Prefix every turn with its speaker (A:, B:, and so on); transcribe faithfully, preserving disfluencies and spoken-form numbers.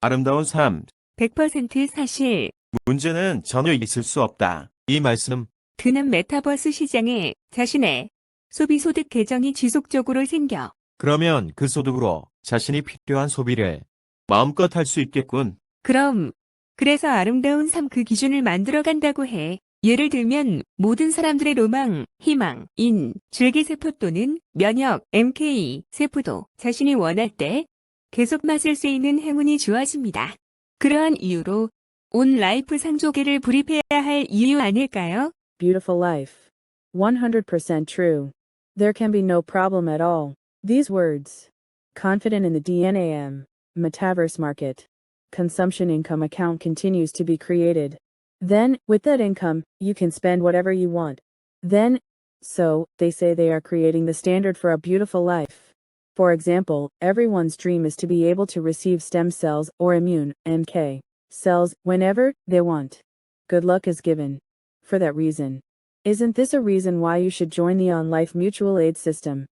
A: 아름다운 삶.
B: 백 퍼센트 사실.
A: 문제는 전혀 있을 수 없다. 이 말씀.
B: 드는 메타버스 시장에 자신의 소비 소득 계정이 지속적으로 생겨.
A: 그러면 그 소득으로 자신이 필요한 소비를 마음껏 할 수 있겠군.
B: 그럼, 그래서 아름다운 삶 그 기준을 만들어 간다고 해. 예를 들면 모든 사람들의 로망, 희망, 인, 줄기세포 또는 면역, 엠케이, 세포도 자신이 원할 때 계속 마실 수 있는 행운이 주어집니다. 그러한 이유로 온 라이프 상조계를 불입해야 할 이유 아닐까요?
C: Beautiful life. one hundred percent true. There can be no problem at all. These words. Confident in the D N A M. Metaverse market. Consumption income account continues to be created. Then, with that income, you can spend whatever you want. Then, so, they say they are creating the standard for a beautiful life. For example, everyone's dream is to be able to receive stem cells or immune, M K, cells whenever they want. Good luck is given. For that reason. Isn't this a reason why you should join the On Life Mutual Aid System?